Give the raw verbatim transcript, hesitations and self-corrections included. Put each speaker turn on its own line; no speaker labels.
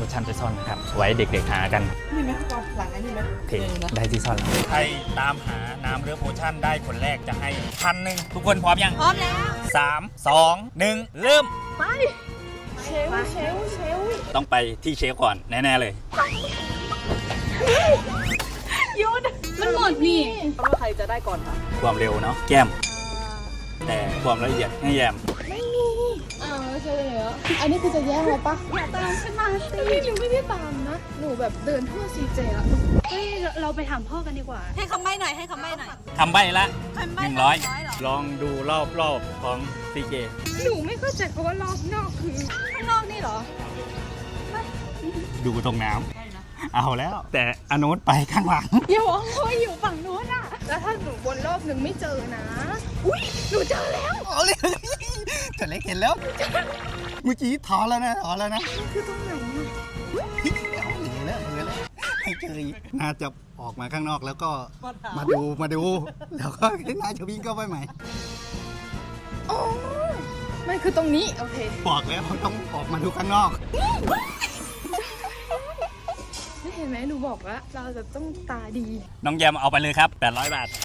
คุชชั่นไปซ่อนนะครับไว้เด็กๆหากัน
นี่ไหมก่อนหลังไอ้นี่ไหม
โอเคได้ที่ซ่อนแล้วใครตามหาน้ำเรือโพชั่นได้คนแรกจะให้พันหนึ่งทุกคนพร้อมยัง
พร้อมแล้ว
สามสองหนึ่งเริ่ม
ไป
เชลเชลเชล
ต้องไปที่เชฟก่อนแน่ๆเลย
ยุดมันหมดนี่
ว่าใครจะได้ก่อนคะ
ความเร็วเนาะแก้ม แต่ความละเอียดให้แยม
อ้าวไม่ใช่เหรออันนี้คือจะแย่งเราปะ
อย่าตามฉันมาสิ
พี่หนูไม่ได้ตามนะ หนูแบบเดินทั่วซีเจแล้ว
เฮ้ยเราไปถามพ่อกันดีกว่า ให้คำใบ้หน่อยให้คำใบ้หน่อย
ทำใบละ
คำ
ห
ใบ้
นึ่งร้อย
เหรอ
ลองดูรอบรอบของซีเจ
หนูไม่เข้าใจเพราะว่ารอบนอกคือ
ข้างนอกนี่เหรอ
ดูตรงน้ำเอาแล้ว แต่อนุนไปข้างหลัง
อย่าบอกว่าอยู่ฝั่งนู้นอะแล้วถ้าหนูวนรอบหนึ่งไม่เจอนะ อุ้ยหนูเจอแล้ว
โอ้เลยจะเล็กเห็นแล้ว เมื่อกี้ถอนแล้วนะถอนแล้วนะ
คือตรงไหนอะ
เอาเหลือแล้วเหลือแล้วให้เจออีกน่าจะออกมาข้างนอกแล้วก็มาดูมาดู แล้วก็น่าจะวิ่งเข้าไปใหม่
อ๋อมันคือตรงนี้ โอเค
บอกแล้วต้องออกมาดูข้างนอก
ไม่เห็นไหมหนูบอกว่าเราจะต้องตาดี
น้องแยมเอาไปเลยครับแปดร้อยบาท